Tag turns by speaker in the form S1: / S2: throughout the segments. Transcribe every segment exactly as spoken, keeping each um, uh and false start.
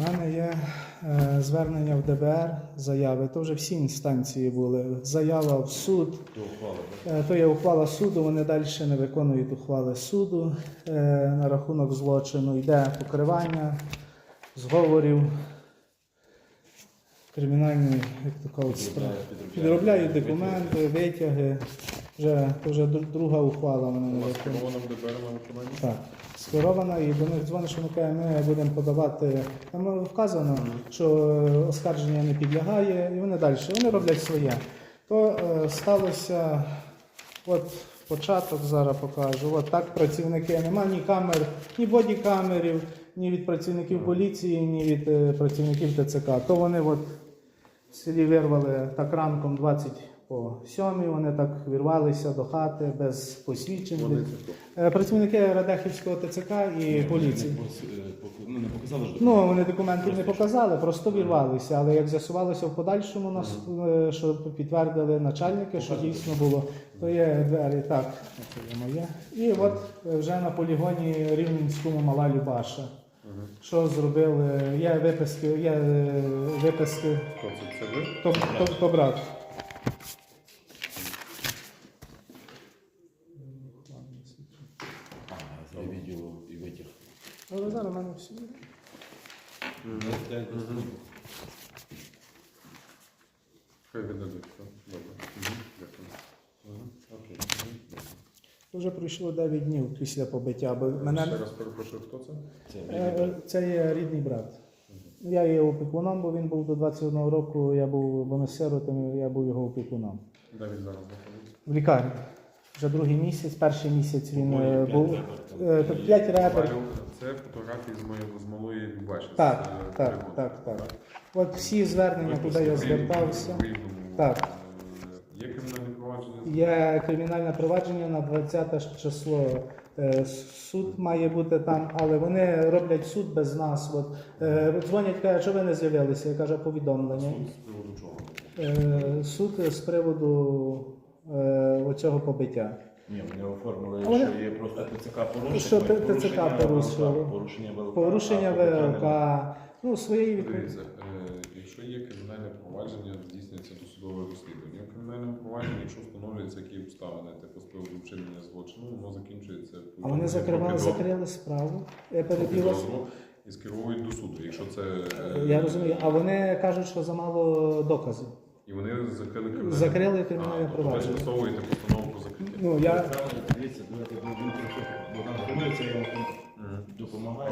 S1: У мене є е, звернення в Д Б Р, заяви. То вже всі інстанції були. Заява в суд. Е, то є ухвала суду, вони далі не виконують ухвали суду. Е, на рахунок злочину йде покривання, зговорів, кримінальні, як то кажуть, справи. Підробляють документи, витяги. Вже, то вже друга ухвала вони не виконують.
S2: Скерована в Д Б Р на виконання?
S1: Так, скерована, і до них дзвонить, що ми кажемо, ми будемо подавати. Там вказано, що оскарження не підлягає, і вони далі. Вони роблять своє. То е, сталося, от початок зараз покажу. От так працівники, нема ні камер, ні бодікамерів, ні від працівників поліції, ні від е, працівників Т Ц К. То вони от в селі вирвали так ранком двадцять по сьомій, вони так вірвалися до хати без посвідчень.
S2: Вони це хто?
S1: Е, Працівники Радехівського Т Ц К і поліції.
S3: Ну, не показали ж
S1: Ну, вони документів не показали, просто вірвалися. Але як з'ясувалося в подальшому, нас, е, що підтвердили начальники, що дійсно було, то є двері, так, це є моє. І от е, вже на полігоні Рівненському Мала Любаша. Що зробили, є виписки, є е, виписки,
S2: Хто це? Це ви?
S1: то, то, то брат.
S3: за відео і витяг.
S1: Але зараз в мене всі.
S2: Хай видадуть. все. Добре. Дякую.
S3: Окей.
S1: Вже пройшло дев'ять днів після побиття, бо мене...
S2: Ще раз перепрошую, хто це?
S3: Це
S1: Е, Це є рідний брат. Я є опікуном, бо він був до двадцять одного року, я був, бо ми з сиротами, я був його опікуном.
S2: Де він зараз знаходиться?
S1: В лікарні. Вже другий місяць, перший місяць він е, був. е, то П'ять ребер.
S2: Це фотографії з моєї з малої Любаші.
S1: Так,
S2: З,
S1: так,
S2: переводу.
S1: так, так. От всі звернення, куди я звертався.
S2: В Рівному.
S1: Так.
S2: Е, Є кримінальне провадження?
S1: Є кримінальне провадження на двадцяте число. Е, Суд має бути там, але вони роблять суд без нас. От, е, дзвонять, кажуть, що ви не з'явилися. Я кажу, повідомлення.
S3: з приводу чого?
S1: Е, Суд з приводу е, оцього побиття.
S3: Ні, вони оформили,
S1: А вони-
S3: що є просто Т Ц К порушення.
S1: Що Т-
S3: порушення
S1: ТЦК
S3: ВЛК,
S1: порушило.
S3: Порушення ВЛК.
S1: Порушення
S3: а побиття
S1: В Л К. Ну, своєї відповідальності.
S2: Дивіться, е, якщо є кримінальне провадження, здійснюється досудове розслідування. В кримінальному провадженні, якщо встановлюються які обставини, типу з приводу вчинення злочину, воно закінчується
S1: А вони
S2: повідомленням
S1: закривали,
S2: про підозру-
S1: закрили справу. Я
S2: про
S1: перебіла.
S2: підозру і скеровують до суду. Якщо це е,
S1: Я розумію. А вони кажуть, що замало доказів.
S2: і вони закрили кримінальне
S1: Закрили кримінальне
S2: А, тобто
S1: провадження.
S2: Ви скасовуєте постанову про закриття.
S1: Ну, я...
S3: Дивіться, давайте він трохи Богдан Григорович, я йому допомагаю.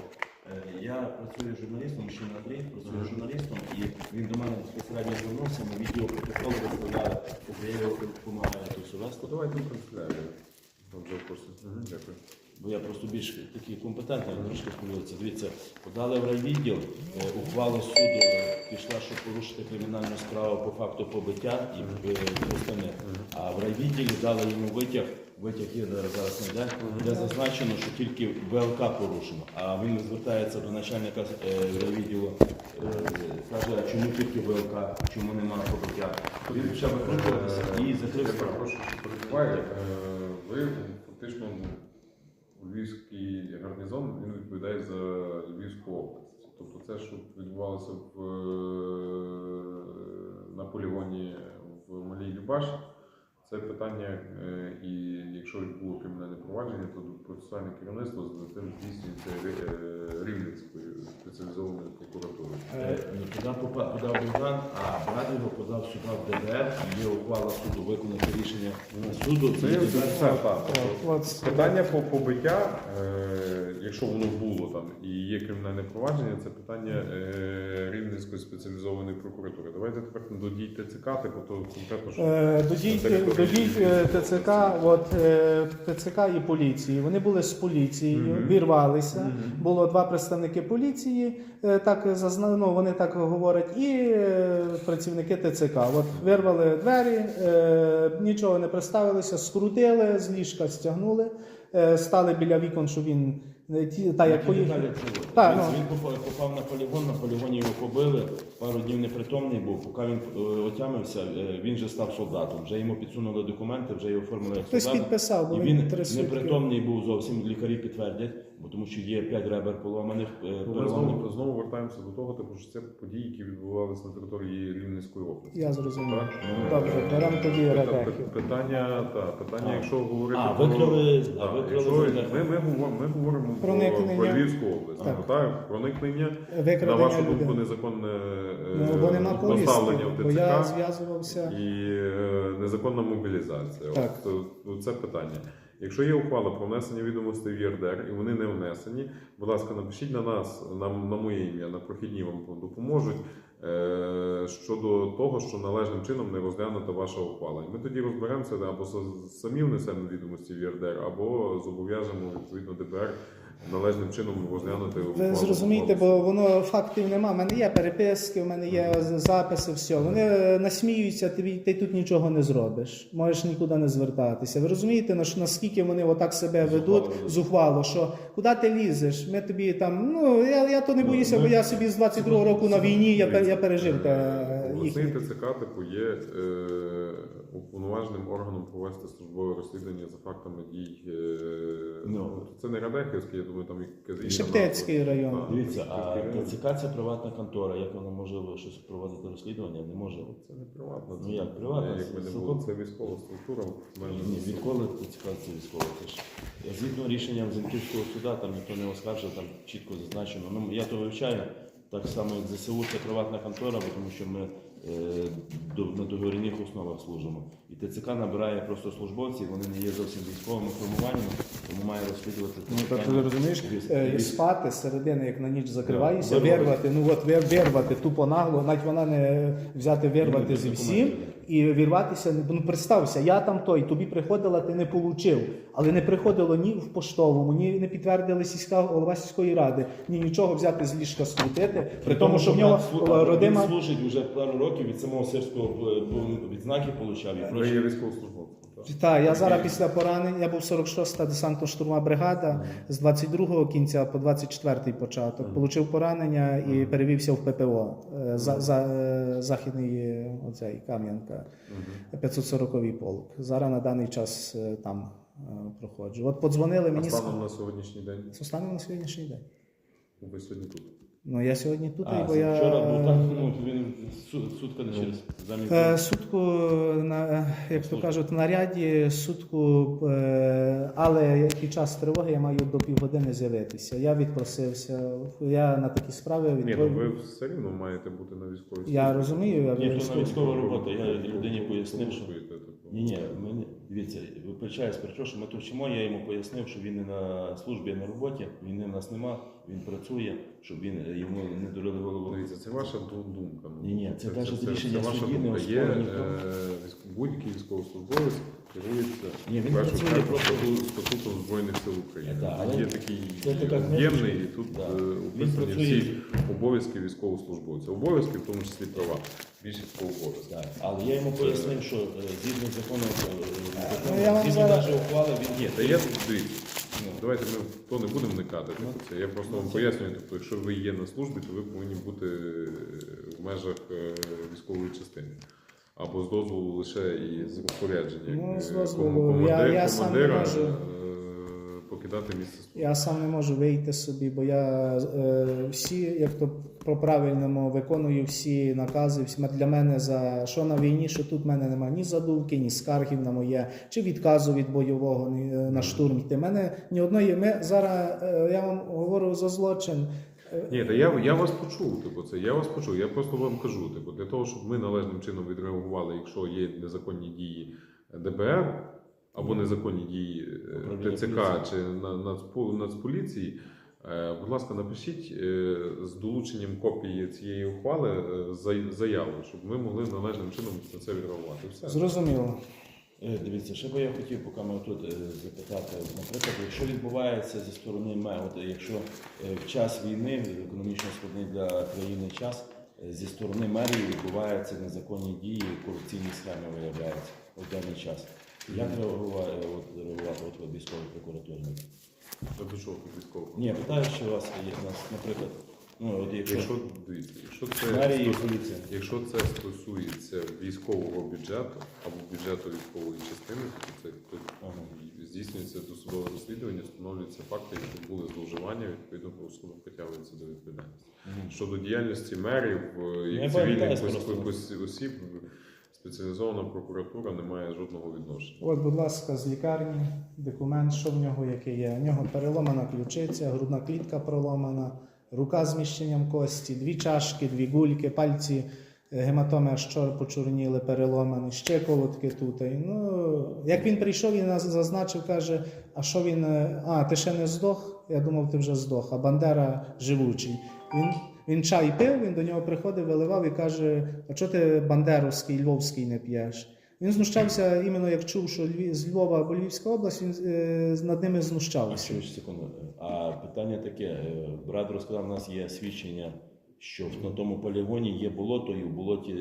S3: Е, Я працюю журналістом, ще на Андрій, працюю журналістом, і він до мене безпосередньо звернувся, ми відео протоколи виставляли, я його допомагаю то все вести.
S2: Давайте в канцелярію. Вже в курсі. Мгм, Дякую.
S3: Бо я просто більш такий компетентний, трошки сподіваюся. Дивіться, подали в райвідділ, е, ухвала суду е, пішла, щоб порушити кримінальну справу по факту побиття і е, остальне. А в райвідділі дали йому витяг, витяг є зараз зараз не йде, де зазначено, що тільки В Л К порушено. А він звертається до начальника е, райвідділу, е, каже, а чому тільки В Л К, чому немає побиття. Він почав викручуватися і закрив
S2: Я
S3: справу.
S2: перепрошую, що перебуває. Е, Ви фактично ну, Львівський гарнізон, він відповідає за Львівську область. Тобто це, що відбувалося в, на полігоні в Малій Любаші, це питання, е, і якщо було кримінальне провадження, то процесуальне керівництво з тим здійснюється е, Рівненською спеціалізованою прокуратурою.
S3: Е, ну, Туди попа- подав Богдан, а брат його подав сюди в Д Б Р, є ухвала суду, виконати рішення суду.
S2: Це,
S3: і
S2: це,
S3: Д Б Р
S2: це, так.
S1: От,
S2: Питання по побиття, е, якщо воно було там і є кримінальне провадження, це питання е, Рівненської спеціалізованої прокуратури. Давайте тепер до дій Т Ц К, типу, то конкретно що.
S1: Е, До дій, до дій е, Т Ц К, от, е, Т Ц К і поліції. Вони були з поліцією,
S2: Мгм.
S1: вірвалися.
S2: Мгм.
S1: Було два представники поліції, е, так зазна- ну, вони так говорять, і е, працівники Т Ц К. От вирвали двері, е, нічого не представилися, скрутили, з ліжка стягнули, е, стали біля вікон, що він е, ті, та як поїхав.
S3: Далі цього.
S1: Так,
S3: він,
S1: ну.
S3: він попав, попав на полігон, на полігоні його побили, пару днів непритомний був, поки він е, отямився, е, він вже став солдатом, вже йому підсунули документи, вже його оформили як
S1: Хтось
S3: солдата.
S1: підписав, бо
S3: І
S1: він
S3: він
S1: три сутки.
S3: непритомний був зовсім, лікарі підтвердять, Бо тому що є п'ять ребер поломаних, е,
S2: Ну, ми
S3: переламаних.
S2: знову, знову вертаємося до того, типу, що це події, які відбувалися на території Рівненської області.
S1: Я зрозумів.
S2: Так?
S1: Ну, добре, беремо тоді
S2: Пита-
S1: ребехи.
S2: пи- Питання, та, питання,
S3: А.
S2: якщо говорити
S3: А,
S2: про,
S3: викрили-
S2: та,
S3: а, викрили
S2: якщо
S3: землю.
S2: ми, ми, говоримо, ми говоримо про,
S1: Проникнення.
S2: про Львівську область,
S1: Так.
S2: так. Так, проникнення, на
S1: Викрадення
S2: вашу думку,
S1: людей.
S2: незаконне е,
S1: Ну, бо нема повістки,
S2: доставлення в
S1: бо я
S2: ТЦК
S1: зв'язувався.
S2: і е, незаконна мобілізація.
S1: Так.
S2: От, е, це питання. Якщо є ухвала про внесення відомостей в ЄРДР і вони не внесені, будь ласка, напишіть на нас, на, на моє ім'я, на прохідні вам допоможуть е, щодо того, що належним чином не розглянута ваша ухвала. І ми тоді розберемося, або с- самі внесемо відомості в ЄРДР, або зобов'яжемо відповідно ДБР належним чином розглянути ухвалу.
S1: Ви зрозумієте, бо воно фактів нема. У мене є переписки, у мене є записи, все. Вони е, насміються, ти, ти тут нічого не зробиш. Можеш нікуди не звертатися. Ви розумієте, на- наскільки вони отак себе ведуть
S3: Зухвало.
S1: зухвало, що куди ти лізеш? Ми тобі там, ну я, я то не боюся,
S2: Ну,
S1: бо
S2: ми-
S1: я собі з двадцять другого року на війні, я, пер- я пережив те,
S2: Обласний
S1: їхні.
S2: ТЦК типу є е, уповноваженим органом провести службове розслідування за фактами дій. Е,
S3: Ну.
S2: ну, це не Радехівський, я думаю, там якась інша
S1: Шептицький
S2: назва.
S1: район.
S2: Так,
S3: Дивіться, а
S2: Шептицький район.
S3: ТЦК це приватна контора. Як вона може щось проводити розслідування? Не може.
S2: Це не приватно.
S3: Ну, як приватно?
S2: Як ми не
S3: Це
S2: було,
S3: цілком-
S2: це військова структура. в межах
S3: Ні, відколи ТЦК це військово. Це ж згідно рішенням Зінківського суду, там ніхто не оскаржив, там чітко зазначено. Ну я то вивчаю. Так само, як ЗСУ, це приватна контора, бо тому що ми е, до, на договірних основах служимо. І ТЦК набирає просто службовців, вони не є зовсім військовими формуваннями, тому має розслідувати це
S1: Ну так
S3: питання.
S1: ти розумієш,
S3: Військ-
S1: е,
S3: військ-
S1: спати з середини, як на ніч закриваєшся,
S3: Да,
S1: вирвати, ну от вир- вирвати тупо нагло, навіть вона не взяти вирвати
S3: без
S1: зі
S3: документів,
S1: всім
S3: да.
S1: і вірватися. Ну представся, я там той, тобі приходила, ти не получив, але не приходило ні в поштовому, ні не підтвердили сільська голова сільської ради, ні нічого взяти з ліжка скрутити, при тому, що в нього
S3: Він
S1: родима.
S3: служить вже пару років від самого сирського е, відзнаки получав і
S2: Ви
S3: прочі.
S2: є військовослужбовцем. так?
S1: Так, я зараз після поранення, я був сорок шоста десантно-штурмова бригада, з двадцять другого кінця по двадцять четвертий початок. Получив поранення і перевівся в ППО, е, за, за, е, західний е, оцей, Кам'янка, п'ятсот сороковий полк. Зараз на даний час е, там е, проходжу. От подзвонили
S2: А
S1: мені з
S2: станом на сьогоднішній день?
S1: станом на сьогоднішній день.
S2: Ви сьогодні тут.
S1: Ну я сьогодні тут,
S3: А,
S1: бо я
S3: вчора був так, ну він су- сутка не через замість.
S1: Е, Сутку, на, як то кажуть, на ряді, сутку, е, але під час тривоги я маю до півгодини з'явитися. Я відпросився, я на такі справи
S2: Ні, ну
S1: відповів.
S2: ви все рівно маєте бути на військовій службі.
S1: Я розумію, я
S3: Ні, то на
S1: військовий.
S3: військова робота. Я людині пояснив, що
S2: Слухаєте, типу.
S3: ні, ні, ми дивіться, вибачаю, сперечу, що ми тут вчимо, я йому пояснив, що він не на службі, а на роботі, війни в нас нема, він працює, щоб він йому не дурили голову.
S2: Дивіться, це ваша ду- думка. Ну,
S3: Ні-ні, це кажуть, рішення
S2: ваша
S3: судді, не
S2: думка. Є
S3: оспорено ніхто.
S2: е, військ- будь-який військовослужбовець керується
S3: Ні, він
S2: в першу
S3: працює
S2: чергу
S3: просто-
S2: стату- статутом Збройних сил України.
S3: Да, але
S2: Є такий
S3: це така
S2: об'ємний, і
S3: книжечка.
S2: тут
S3: Да.
S2: е,
S3: Він
S2: описані
S3: працює-
S2: всі обов'язки військовослужбовця. Обов'язки, в тому числі права. Більшість по обов'язках.
S3: Так, але я йому пояснив, що е, згідно закону, е, закону,
S1: Ну, я вам
S3: згідно
S1: зараз-
S3: навіть ухвали, він
S2: Ні, та я дивіться. Ну, давайте ми в то не будемо вникати. Типу, це. Я просто вам пояснюю, тобто, якщо ви є на службі, то ви повинні бути е, в межах е, військової частини. Або з дозволу лише і з розпорядження.
S1: Ну, з
S2: е,
S1: дозволу.
S2: ком-
S1: Я-
S2: командир-
S1: я сам не
S2: командира
S1: можу.
S2: е, покидати місце служби.
S1: Я сам не можу вийти собі, бо я е, всі, як то по правильному, виконую всі накази. Всі для мене за що на війні, що тут в мене немає ні задумки, ні скаргів на моє, чи відказу від бойового ні, е, на штурм йти. Мене ні одної. Ми зараз е, я вам говорю за злочин. Е,
S2: Ні, та я, я вас почув, типу, це я вас почув. Я просто вам кажу, типу, для того, щоб ми належним чином відреагували, якщо є незаконні дії ДБР або незаконні дії е,
S3: Управління
S2: ТЦК
S3: поліції.
S2: чи на- Нацпо- Нацполіції, е, будь ласка, напишіть е, з долученням копії цієї ухвали е, за- заяву, щоб ми могли належним чином на це відреагувати. Все.
S1: Зрозуміло.
S3: Е, Дивіться, ще би я хотів, поки ми тут е, запитати, наприклад, якщо відбувається зі сторони МЕ, от якщо е, в час війни, економічно складний для країни час, е, зі сторони мерії відбуваються незаконні дії, корупційні схеми виявляються в даний час. Як реагувати, от, реагувати от, от, військової прокуратури?
S2: Та до чого тут військово?
S3: Ні, питаю, що у вас є, у нас, наприклад, ну, от якщо,
S2: Якщо, дивіться, якщо це
S3: мерії і поліція.
S2: Якщо це стосується військового бюджету або бюджету військової частини, то це тут
S3: Ага.
S2: здійснюється досудове розслідування, встановлюються факти, які були зловживання, відповідно правосудом притягується до відповідальності. Щодо діяльності мерів е,
S3: Я
S2: і
S3: пам'ятаю
S2: цивільних
S3: просто.
S2: ос- ос- осіб, спеціалізована прокуратура не має жодного відношення.
S1: От, будь ласка, з лікарні документ, що в нього який є. У нього переломана ключиця, грудна клітка проломана, рука з зміщенням кості, дві чашки, дві гульки, пальці, е, гематоми аж чор почорніли, переломані, ще колодки тут. І, ну, як він прийшов, він нас зазначив, каже, а що він, е, а, ти ще не здох? Я думав, ти вже здох, а Бандера живучий. Він, він чай пив, він до нього приходив, виливав і каже, а чого ти бандеровський, львовський не п'єш? Він знущався іменно як чув, що Львів, з Львова або Львівська область, він е, над ними
S3: А
S1: знущався.
S3: що ж, секунду. А питання таке. е, Брат розказав, у нас є свідчення, що на тому полігоні є болото, і в болоті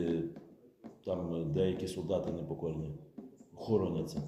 S3: там деякі солдати непокорні хороняться.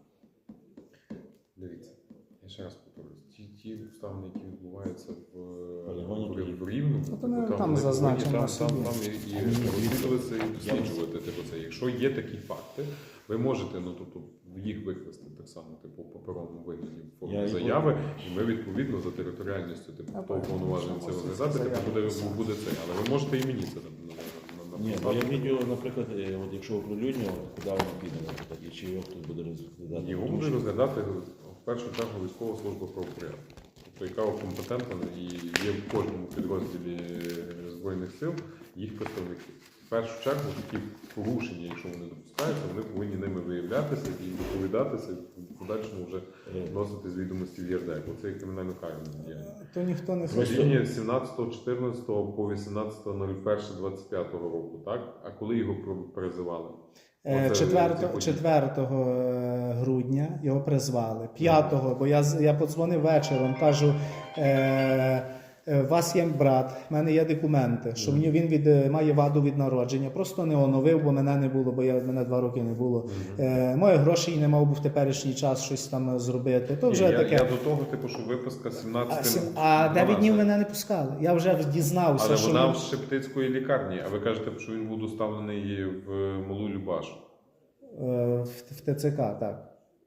S2: Дивіться, я ще раз повторюсь, ті, ті обставини, які відбуваються в,
S3: Полігоні,
S2: в, в Рівному,
S1: Ну, то ми
S2: типу,
S1: там
S2: вони
S1: зазначимо
S2: повинні
S1: на
S2: там, там,
S1: собі.
S2: там і, і
S3: А мені
S2: розслідуватися, і
S3: я-
S2: досліджувати. Типу, це. Якщо є такі факти, ви можете ну, тобто, їх викласти так само, типу, в паперовому вигляді в формі
S3: Я і
S2: заяви, і ми відповідно за територіальністю, типу,
S1: А,
S2: хто
S1: так,
S2: уповноважений це
S1: можемо
S2: розглядати, типу,
S1: заяви
S2: буде,
S1: писати.
S2: буде це. Але ви можете і мені це на- на- на-
S3: Ні, бо
S2: написати.
S3: я відео, наприклад, е, от якщо оприлюднювати, куди воно піде, наприклад, і чи його хтось буде розглядати.
S2: Його
S3: Тому
S2: буде
S3: що-
S2: розглядати в першу чергу військова служба правопорядку. Тобто, яка компетентна і є в кожному підрозділі Збройних сил їх представники. В першу чергу такі порушення, якщо вони допускаються, вони повинні ними виявлятися і доповідатися, і в подальшому вже вносити з відомості в ЄРД. Бо це є кримінально карна діяльність.
S1: То ніхто не
S3: Просто-
S1: хоче.
S2: Рішення сімнадцятого чотирнадцятого по вісімнадцяте перше двадцять п'ятого року, так? А коли його про- призивали?
S1: Е,
S2: Оце
S1: четвертого-
S2: ці події.
S1: четвертого грудня його призвали. п'ятого, бо я, з- я подзвонив вечором, кажу, е, е, у вас є брат, в мене є документи, що мені він від, е, має ваду від народження. Просто не оновив, бо мене не було, бо я, мене два роки не було. Е, моїх грошей не мав би в теперішній час щось там зробити. То вже
S2: Ні, я,
S1: таке.
S2: я до того, типу, що виписка
S1: А,
S2: сімнадцятого
S1: сім- а дев'ять днів мене не пускали. Я вже дізнався,
S2: Але
S1: що
S2: вона
S1: він-
S2: в Шептицької лікарні, а ви кажете, що він був доставлений в Малу Любашу.
S1: е, в, в ТЦК, так.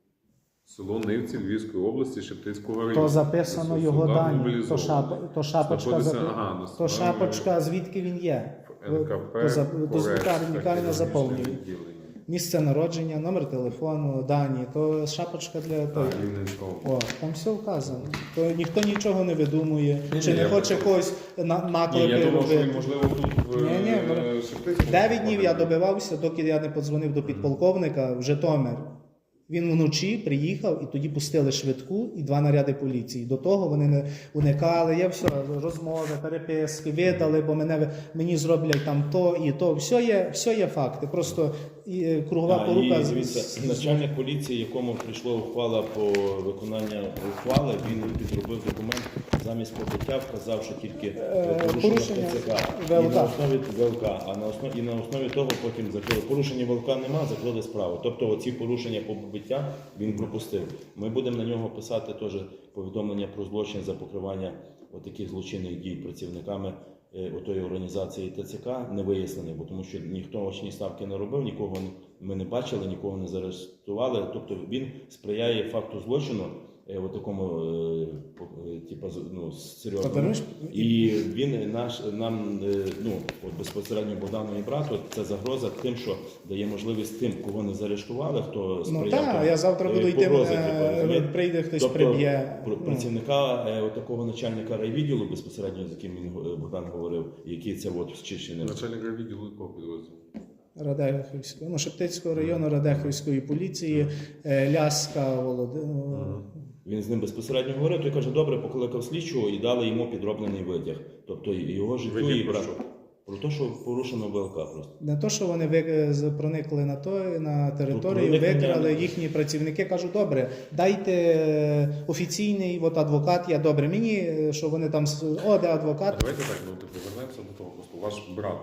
S2: Село Нивці Львівської області, Шептицького району.
S1: То записано
S2: Це
S1: його
S2: солдат
S1: дані, то,
S2: мобілізований.
S1: шап, то шапочка,
S2: Знаходиться,
S1: запи-
S2: ага, на
S1: то
S2: стороні
S1: шапочка, звідки він є.
S2: ен ка пе,
S1: То за- до
S2: Корецька,
S1: лікарні, лікарня
S2: хірургічне
S1: заповнює.
S2: відділення.
S1: Місце народження, номер телефону, дані, то шапочка для того.
S2: Так, Рівненського.
S1: О, там все вказано. То ніхто нічого не видумує,
S2: Ні,
S1: чи
S2: ні,
S1: не
S2: я
S1: хоче
S2: просто-
S1: когось на,
S2: Ні,
S1: наклики
S2: я думав, що він,
S1: робити.
S2: можливо, тут в
S1: Ні, ні,
S2: е,
S1: ну,
S2: Шептицькому.
S1: Дев'ять днів я добивався, доки я не подзвонив до підполковника в Житомир. Він вночі приїхав і тоді пустили швидку і два наряди поліції. До того вони не уникали. Я все, розмови, переписки, видали, бо мене, мені зроблять там то і то. Все є, все є факти. Просто і, е, кругова
S3: А,
S1: порука.
S3: і,
S1: з-
S3: дивіться,
S1: з-
S3: начальник поліції, якому прийшла ухвала по виконанню ухвали, він підробив документ замість побиття, вказав, що тільки
S1: Е,
S3: порушення
S1: порушення
S3: ТЦК і
S1: ВЛК.
S3: на основі ВЛК, а на основі і на основі того потім закрили. Порушення ВЛК нема, закрили справу. Тобто оці порушення побиття він пропустив. Ми будемо на нього писати теж повідомлення про злочин за покривання отаких злочинних дій працівниками е, отої організації ТЦК не вияснений, бо тому що ніхто очні ставки не робив, нікого не- ми не бачили, нікого не заарештували. Тобто він сприяє факту злочину, е, от такому е, по- е, типа з- ну, серйозному.
S1: Подаруєш?
S3: І він наш нам е, ну от безпосередньо Богдану і брату це загроза тим, що дає можливість тим, кого не заарештували, хто
S1: Ну
S3: сприяв.
S1: так,
S3: там,
S1: я завтра
S3: е,
S1: буду йти,
S3: погрози,
S1: е,
S3: типу, розумієте?
S1: прийде хтось
S3: Тобто,
S1: приб'є.
S3: пр-
S1: Ну.
S3: працівника е, такого начальника райвідділу, безпосередньо з яким він е, Богдан говорив, який це от Чищини.
S2: Начальник відділу якого підрозділу?
S1: Радехівського, ну, Шептицького району Радехівської поліції, е, Ляска, Володимир.
S3: Він з ним безпосередньо говорив, той каже, добре, покликав слідчого і дали йому підроблений витяг. Тобто його життю
S2: Витяг
S3: і
S2: про
S3: брат.
S2: що?
S3: Про те, що порушено ВЛК просто.
S1: Не то, що вони ви- з- проникли на то на територію,
S3: проникнення-
S1: викрали їхні працівники. Кажуть, добре, дайте е, офіційний от адвокат. Я добре. Мені е, що вони там з- о, де
S2: А
S1: адвокат.
S2: давайте так, ну типу, повернемося до того. Просто ваш брат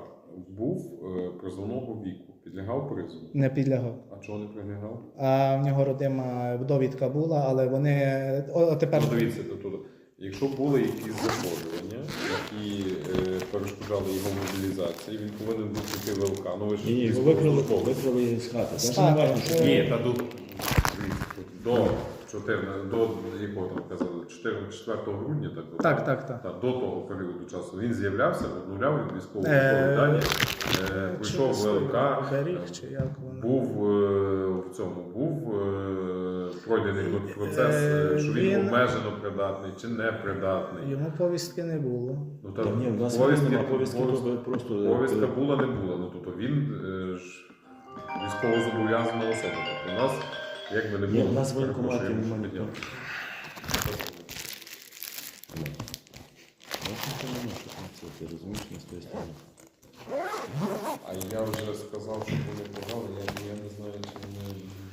S2: був е, призовного віку, підлягав призову.
S1: Не підлягав.
S2: А чого не підлягав?
S1: А в нього родима довідка була, але вони о, тепер
S2: Ну, дивіться, тобто, якщо були якісь захворювання, які е, перешкоджали його мобілізації, він повинен був піти в ВЛК. Ну ви ж
S3: Ні, його
S2: військовослужбовець.
S3: викрили, викрили з хати.
S1: З
S3: Це ж не
S1: хати.
S3: важно, що
S1: Е,
S2: Ні, та до, до чотирнадцятого, до якого там казали, четвертого грудня, так? от,
S1: Так, так, так.
S2: Та, до того періоду часу він з'являвся, обнуляв військові
S1: Е,
S2: дані, е, прийшов в ВЛК,
S1: Беріг, чи як воно?
S2: був е, в цьому, був е, пройдений процес, е, що він,
S1: Він-
S2: обмежено придатний чи не придатний.
S1: Йому повістки не було.
S2: Ну,
S3: Та ні, в нас
S2: повістки-
S3: немає повістки,
S2: повістка-
S3: то просто
S2: Повістка була, не була. Ну, тобто він е, ж військовозобов'язана особа. Тобто у нас якби не
S3: Ні,
S2: було.
S3: в нас в воєнкоматі
S2: перепрошую,
S3: немає
S2: що
S3: ніхто.
S2: підняв.
S3: Ну, це не наше, це ти розумієш, не з тої сторони.
S2: А я вже сказав, що вони подали, я, я не знаю, чи вони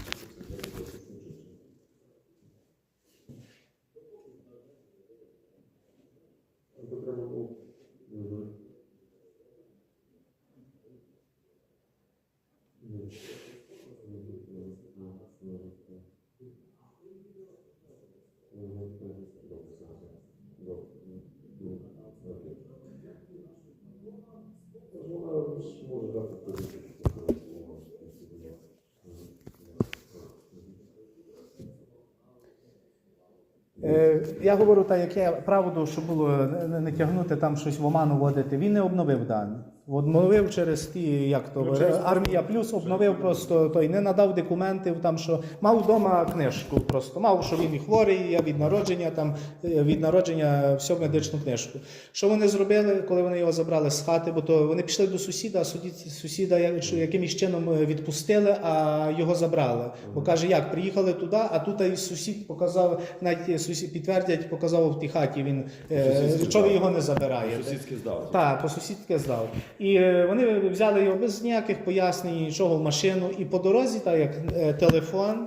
S1: Е, Я говорю так, як я правду, що було не, не- не тягнути там щось в оману вводити. Він не обновив дані. Обновив через ті, як то
S2: Ну, через-
S1: армія плюс обновив просто той, не надав документів, там що мав вдома книжку. Просто мав, що він і хворий, я від народження, там е, від народження всю медичну книжку. Що вони зробили, коли вони його забрали з хати? Бо то вони пішли до сусіда, а судді- сусіда я- що якимось чином е, відпустили, а його забрали. Бо каже, як приїхали туди, а тут і сусід показав, навіть сусід підтвердять, показав в тій хаті. Він е,
S3: Сусідський
S1: що ви
S3: здав.
S1: його не забираєте?
S3: Сусідський здав.
S1: Так, по сусідськи здав. І е, вони взяли його без ніяких пояснень, нічого в машину. І по дорозі, так як е, телефон,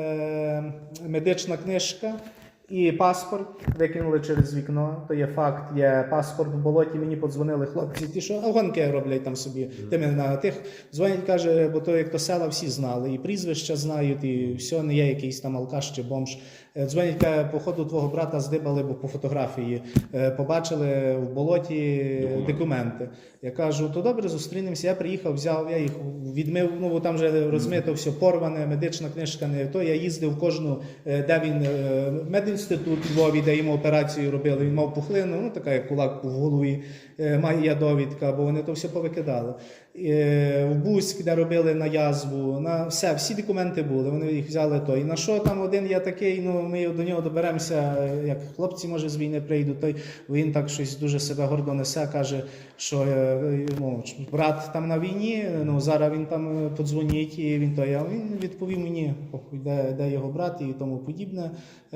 S1: е, медична книжка і паспорт викинули через вікно. То є факт, є паспорт в болоті. Мені подзвонили хлопці, ті, що афганки роблять там собі. Тими на тих дзвонять, каже, бо то як то села всі знали, і прізвища знають, і все, не є якийсь там алкаш чи бомж. Е, Дзвонять, каже, походу твого брата здибали, бо по фотографії е, побачили в болоті
S2: Документи.
S1: документи. Я кажу, то добре, зустрінемося. Я приїхав, взяв, я їх відмив, ну бо там вже розмито все порване, медична книжка не то. Я їздив в кожну, е, де він е, медінститут у Львові, де йому операцію робили. Він мав пухлину, ну така як кулак в голові, е, має довідка, бо вони то все повикидали. Е, В Буськ, де робили на язву, на все, всі документи були, вони їх взяли то. І на що там один я такий, ну ми до нього доберемося, як хлопці, може, з війни прийдуть, той він так щось дуже себе гордо несе, каже, що е, ну, брат там на війні, ну зараз він там подзвонить, і він той, а він відповів мені, похуй, де, де його брат і тому подібне.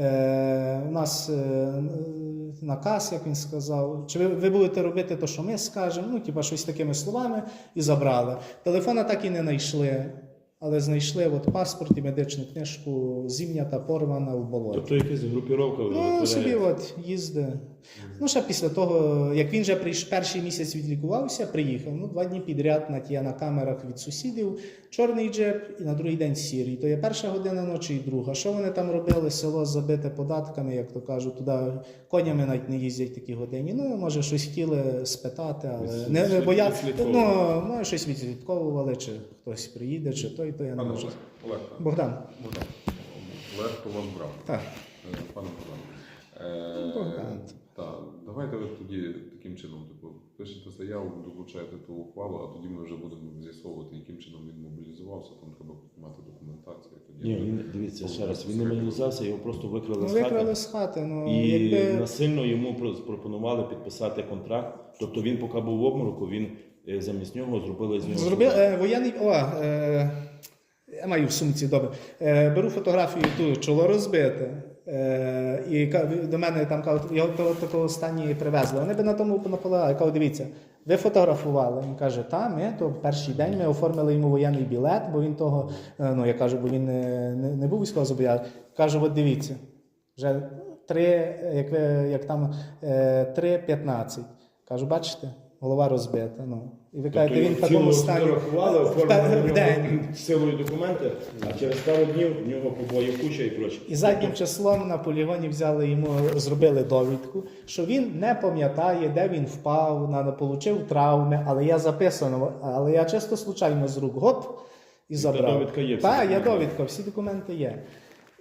S1: Е, у нас е, наказ, як він сказав, чи ви, ви будете робити те, що ми скажемо, ну, типа щось такими словами, і забрали. Телефона так і не знайшли, але знайшли от паспорт і медичну книжку, зім'ята, порвана в болоті.
S3: Тобто якась групіровка
S1: Ну,
S3: витворяє.
S1: собі от їздить. Ну, ще після того, як він вже прийш, перший місяць відлікувався, приїхав. Ну, два дні підряд на ті на камерах від сусідів, чорний джип і на другий день сірий. То є перша година ночі і друга. Що вони там робили? Село забите податками, як то кажуть, туди конями навіть не їздять такі годині. Ну, може, щось хотіли спитати, але
S3: Відслід-
S1: не, не боя...
S3: відслідковували.
S1: ну, може, щось відслідковували, чи хтось приїде, чи той, то я не
S2: Пане
S1: можу.
S2: Олег, Олег, так.
S1: Богдан.
S2: Богдан. Олег, то вас брав.
S1: Так.
S2: Е, Пане Богдан. Е,
S1: Богдан.
S2: Так, давайте ви тоді таким чином, типу, пишете заяву, долучаєте ту ухвалу, а тоді ми вже будемо з'ясовувати, яким чином він мобілізувався, там треба мати документацію. Тоді
S3: Ні,
S2: ми-
S3: він, дивіться, ще раз, він не мобілізувався, його просто викрали
S1: Ну,
S3: з хати.
S1: викрали з хати. Ну,
S3: І
S1: якби...
S3: насильно йому про- пропонували підписати контракт. Тобто він, поки був в обмороку, він е, замість нього зробили з нього.
S1: Зробив
S3: солдата.
S1: е, воєнний. О, е, я маю в сумці добре. Е, беру фотографію ту, чоло розбите. Е, і ка- до мене там кажуть, його того такого стані привезли. Вони би на тому наполягали. Кажу, дивіться, ви фотографували. Він каже, та, ми то в перший день ми оформили йому воєнний білет, бо він того, е, ну я кажу, бо він не, не, не був військовозобов'язаний. Кажу, от дивіться, вже три, як, ви, як там е, три п'ятнадцять. Кажу, бачите? Голова розбита. Ну. І ви кажете, він в такому стані
S3: Фотографували,
S1: в
S3: оформили
S1: пе-
S3: на
S1: в
S3: нього
S1: день.
S3: силою документи, а через пару днів в нього побоїв куча і проче.
S1: І заднім числом на полігоні взяли йому, зробили довідку, що він не пам'ятає, де він впав, на, получив травми, але я записано, але я чисто случайно з рук гоп і забрав.
S3: довідка є, всі
S1: Так, є
S3: документи.
S1: довідка, всі документи є.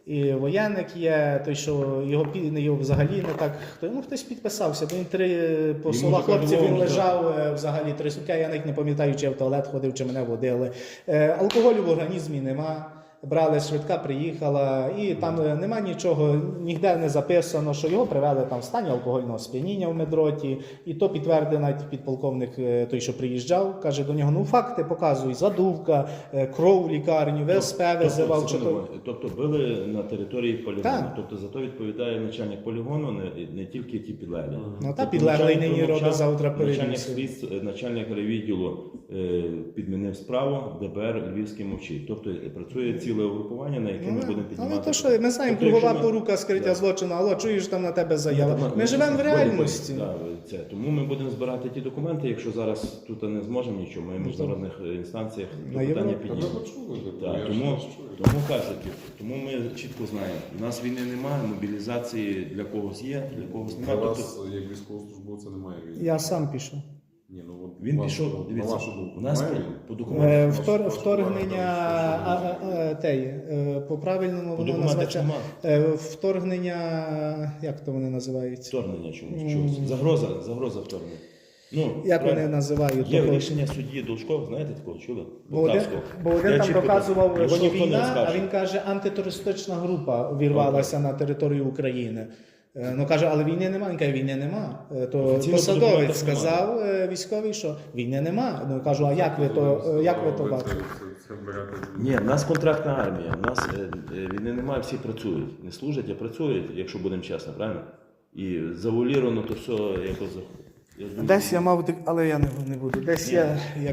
S1: і воєнник є, той, що його, пі- його взагалі не так, хто, ну хтось підписався, бо він три, по
S3: Йому
S1: словах
S3: вже
S1: хлопців, він
S3: кажуть,
S1: лежав е, взагалі три сутки, я навіть не пам'ятаю, чи я в туалет ходив, чи мене водили. Е, Алкоголю в організмі нема. Брали, швидка приїхала, і там е, нема нічого, ніде не записано, що його привели там в стані алкогольного сп'яніння в медроті. І то підтвердив навіть підполковник, е, той, що приїжджав, каже до нього: ну факти показуй, задувка, е, кров в лікарню, ВСП визивав. Чи
S3: Тобто,
S1: то...
S3: тобто били на території полігону.
S1: Так.
S3: Тобто за то відповідає начальник полігону, не, не тільки ті підлеглі.
S1: Ну та
S3: Тобто
S1: підлеглий
S3: начальник
S1: нині
S3: промовчав,
S1: робить завтра
S3: Начальник
S1: перевірку.
S3: слідств, начальник райвідділу е, підмінив справу, ДБР Львівський мовчить. Тобто працює ціле угрупування, на яке ми
S1: Ну,
S3: будемо
S1: ну,
S3: піднімати.
S1: ну то що, ми знаємо,
S3: Тобто,
S1: кругова
S3: якщо ми-
S1: порука скриття
S3: Да.
S1: злочину, алло, чуєш там на тебе заява.
S3: Ну,
S1: Ми живемо в реальності.
S3: Да, це. Тому ми будемо збирати ті документи, якщо зараз тут не зможемо нічого, ми в міжнародних інстанціях то
S1: На
S3: питання
S1: Європі.
S2: Та ми
S3: піднімемо.
S2: почули,
S3: Так,
S2: я ж
S3: тому,
S2: вас чую.
S3: тому кажуть, тому ми чітко знаємо, у нас війни немає, мобілізації для когось є, для когось
S2: Для
S3: немає. Тобто,
S2: вас, як військовослужбовця, немає війни.
S1: Я сам пішов.
S2: Ні, ну, от
S3: він
S2: вас-
S3: пішов,
S2: на
S3: дивіться,
S2: вашу думку,
S3: у нас
S2: немає
S3: по,
S2: війни?
S3: по
S1: Е,
S3: документах,
S1: втор-
S2: ваш-
S1: Вторгнення
S2: ваш-
S1: а, а, а, теї, е, по правильному
S3: по
S1: воно
S3: документах
S1: називається
S3: немає.
S1: е, вторгнення, як то вони називаються?
S3: Вторгнення чомусь,
S1: М.
S3: чогось. Загроза, загроза вторгнення. Ну,
S1: Як вони
S3: правильно.
S1: називають?
S3: Є
S1: того?
S3: рішення судді Должков, знаєте такого, чули?
S1: Бо один,
S3: Полтавського.
S1: бо один
S3: Я
S1: там
S3: чітко
S1: доказував,
S3: його
S1: що
S3: ніхто не
S1: війна, а
S3: розкаже.
S1: він каже, антитерористична група вірвалася на територію України. Е, Ну каже, але війни немає. Він каже, війни нема. Е, То
S3: Офіційно по
S1: посадовець
S3: документах
S1: сказав е, військовий, що війни нема. Ну кажу, а як ви то е, як ви то
S2: це-
S1: бачите?
S2: це- це берете?
S3: Ні, в нас контрактна армія, в нас е, е, війни немає, всі працюють. Не служать, а працюють, якщо будемо чесно, правильно? І завуаліровано то все якось. Я думаю,
S1: Десь я мав, але я не, не буду. Десь
S3: Ні.
S1: я як.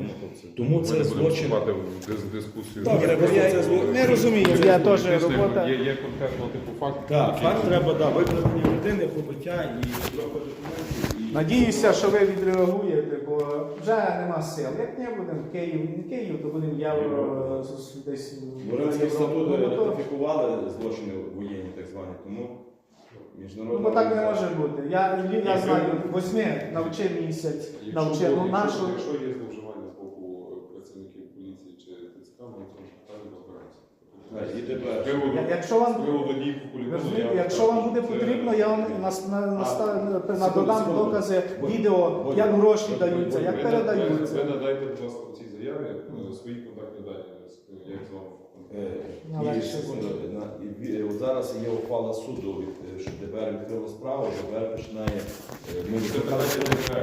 S3: Тому
S2: Ми
S3: це
S2: не будемо
S3: злочин.
S2: вступати в дис- дискусію.
S1: Добре,
S2: Ми
S1: бо я
S2: просто це-
S1: не розумію, я теж
S2: Дійсно,
S1: робота.
S2: Є, є конкретно типу факт.
S3: Так,
S2: який-
S3: факт треба, да, викрадення людини, побиття і трохи документів. І...
S1: Надіюся, що ви відреагуєте, бо вже нема сил. Як не будемо в Київ, не Київ, то будемо євро з- десь в
S3: Римський статут
S1: Ну, то-
S3: ратифікували злочини воєнні, так звані, тому
S1: Ну,
S3: міжнародна
S1: бо так не
S3: організація-
S1: може бути. Я, я знаю, восьми навчив місяць,
S2: Якщо,
S1: навчив. Ну,
S2: якщо,
S1: нашу...
S2: якщо є зловживання з боку працівників поліції чи ТЦК, ми в цьому питанні розберемося.
S3: Так, і тепер.
S2: З приводу-
S1: Я- Якщо
S2: з
S1: вам,
S2: приводу дій по
S1: ви
S2: полігону,
S1: розумієте,
S2: я-
S1: якщо вам буде
S2: це-
S1: потрібно, я вам нас- на, на,
S3: А,
S1: на, додам
S3: секунду.
S1: докази,
S3: Будь-
S1: відео,
S3: будь-
S1: як гроші
S2: Ви-
S1: даються,
S2: ви-
S1: як
S2: ви-
S1: передаються.
S2: Ви надайте, будь ласка, в цій заяві е, свої контактні дані, е, як з вами.
S3: Е,
S1: Але
S3: І
S1: ще-
S3: секунду, на- і ві- от зараз є ухвала суду, від, е, що ДБР відкрило справу, ДБР починає. е, Ми
S2: Це
S3: викликали
S2: питання ДБР.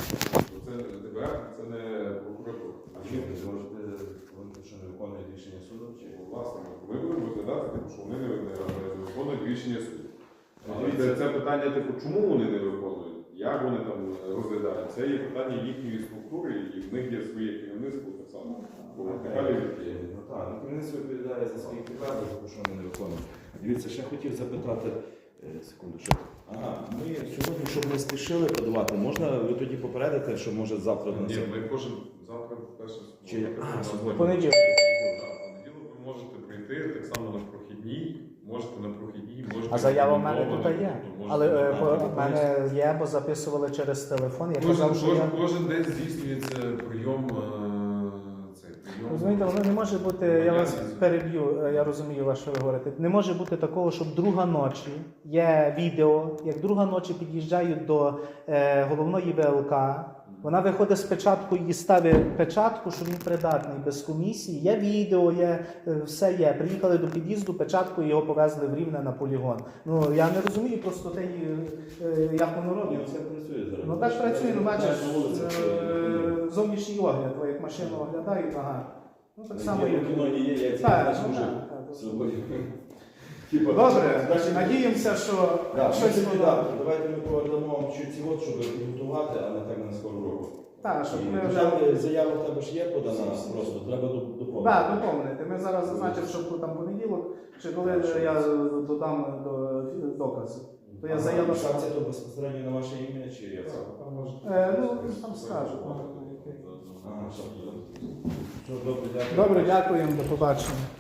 S2: Це ДБР, це не прокуратура.
S3: А чи ви можете говорити, що не виконує рішення суду? Чи
S2: Власне, ми будемо розглядати, типу, що вони не не виконують рішення суду. Але
S3: Дивіться.
S2: це, це питання, типу, чому вони не виконують, як вони там розглядають. Це є питання їхньої структури, і в них є своє керівництво так само. По вертикалі від Києва.
S3: Ну так, ну керівництво відповідає за свої підкази, тому що вони не виконують. Дивіться, ще хотів запитати, е, секунду, що. Ага, ми сьогодні, щоб не спішили подавати, можна ви тоді попередите, що може завтра на
S2: Ні,
S3: це?
S2: ми кожен завтра перше
S3: Чи- а, сьогодні.
S1: Понеділок.
S2: Понеділок ви можете прийти так само на прохідній, можете на прохідній, можете.
S1: А заява в мене
S2: рекомендовано,
S1: тут є.
S2: тобто можете
S1: Але е,
S2: на-
S1: по- в мене є, бо записували через телефон. Я
S2: Кожен,
S1: казав, що
S2: кожен,
S1: я...
S2: кожен день здійснюється прийом. е, Цей прийом.
S1: Розумієте, воно не може бути, я вас переб'ю, е, я розумію, вас, що ви говорите. Не може бути такого, щоб друга ночі є відео, як друга ночі під'їжджають до е, головної ВЛК, вона виходить з печаткою і ставить печатку, що він придатний без комісії. Є відео, є е, все є. Приїхали до під'їзду, печатку і його повезли в Рівне на полігон. Ну я не розумію просто те, е, як воно
S3: Ні,
S1: робиться.
S3: це працює зараз.
S1: Ну так працює, ну бачиш,
S3: На вулицях,
S1: е, зовнішній огляд, бо як машину оглядають, ага. Ну так само
S3: Є
S1: і
S3: в кіно є, я ці
S1: Так,
S3: бачу
S1: ну,
S3: вже
S1: так, так.
S3: свободі. Типа,
S1: Добре,
S3: значить,
S1: надіємося, що
S3: Так,
S1: щось
S3: щось
S1: воно...
S3: так, давайте ми повернемо вам чуть ці от, щоб підготувати, а не так на скору року.
S1: Так, щоб
S3: І
S1: ми вже...
S3: вже заява в тебе ж є подана, просто треба доп- доповнити.
S1: Так, доповнити. Ми зараз зазначимо, що там понеділок, чи коли я додам до докази. То я заяву...
S3: Шанси то безпосередньо на ваше ім'я чи як це?
S2: Так, там може-
S1: Е, ну, там скажуть.
S3: Ага, що? Все, добре, дякую.
S1: Добре, дякуємо, до побачення.